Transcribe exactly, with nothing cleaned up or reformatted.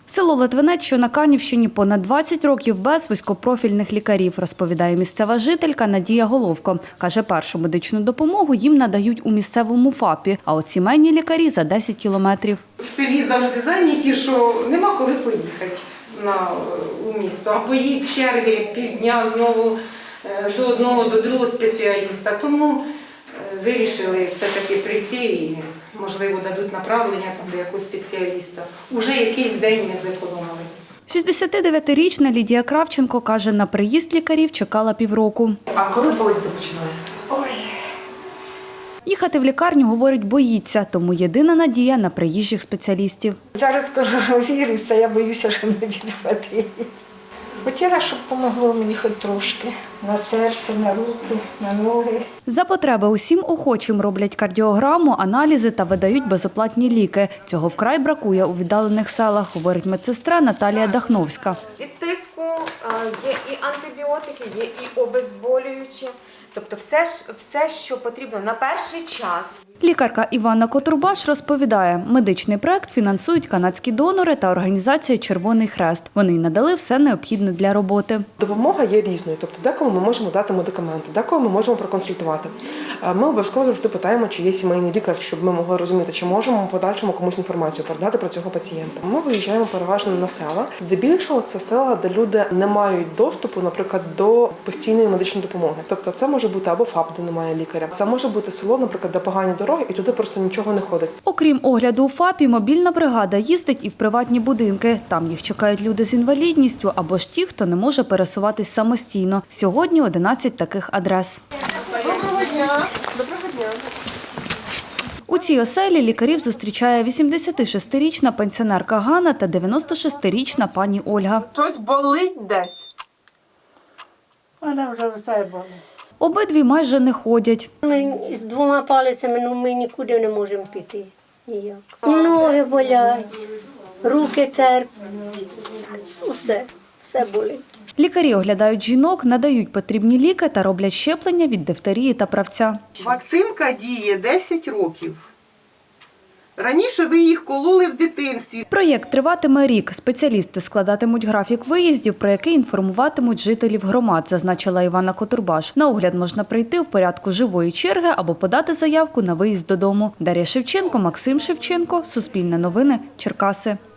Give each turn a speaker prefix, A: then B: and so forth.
A: Село Литвинець, що на Канівщині, понад двадцять років без вузькопрофільних лікарів, розповідає місцева жителька Надія Головко. Каже, першу медичну допомогу їм надають у місцевому ФАПі, а от сімейні лікарі за десять кілометрів.
B: В селі завжди зайняті, що нема коли поїхати на, у місто. А поїдь черги півдня знову до одного, до другого спеціаліста. Тому вирішили все-таки прийти і, можливо, дадуть направлення там, до якогось спеціаліста. Уже якийсь день ми зекономили.
A: шістдесятидев'ятирічна Лідія Кравченко каже, на приїзд лікарів чекала півроку.
C: А коли боліти починає?
B: Ой.
A: Їхати в лікарню, говорить, боїться, тому єдина надія на приїжджих спеціалістів.
D: Зараз коронавірус, а я боюся, що не відхватить. Хотіла, щоб допомогло мені хоч трошки. На серце, на руки, на ноги.
A: За потреби усім охочим роблять кардіограму, аналізи та видають безоплатні ліки. Цього вкрай бракує у віддалених селах, говорить медсестра Наталія Дахновська.
E: Від тиску є і антибіотики, є і обезболюючі. Тобто все, все, що потрібно на перший час.
A: Лікарка Іванна Котурбаш розповідає, медичний проект фінансують канадські донори та організація «Червоний Хрест». Вони й надали все необхідне для роботи.
C: Допомога є різною, тобто декому ми можемо дати медикаменти, декого ми можемо проконсультувати. Ми обов'язково завжди питаємо, чи є сімейний лікар, щоб ми могли розуміти, чи можемо в подальшому комусь інформацію передати про цього пацієнта. Ми виїжджаємо переважно на села. Здебільшого це села, де люди не мають доступу, наприклад, до постійної медичної допомоги. Тобто це може бути або ФАП, де немає лікаря. Це може бути село, наприклад, де погані дороги, і туди просто нічого не ходить.
A: Окрім огляду у ФАПі, мобільна бригада їздить і в приватні будинки. Там їх чекають люди з інвалідністю або ж ті, хто не може пересуватись самостійно. Сьогодні одинадцять таких адрес.
E: Доброго дня! Доброго дня!
A: У цій оселі лікарів зустрічає вісімдесятишестирічна пенсіонерка Ганна та дев'яностошестирічна пані Ольга.
C: Щось болить десь?
F: Вона вже все болить.
A: Обидві майже не ходять.
F: Ми з двома палицями, ну ми нікуди не можемо піти. Ніяк. Ноги болять, руки терплять, усе, все болить.
A: Лікарі оглядають жінок, надають потрібні ліки та роблять щеплення від дифтерії та правця.
G: Вакцинка діє десять років. Раніше ви їх кололи в дитинстві.
A: Проєкт триватиме рік. Спеціалісти складатимуть графік виїздів, про який інформуватимуть жителів громад, зазначила Іванна Котурбаш. На огляд можна прийти в порядку живої черги або подати заявку на виїзд додому. Дар'я Шевченко, Максим Шевченко, Суспільне новини, Черкаси.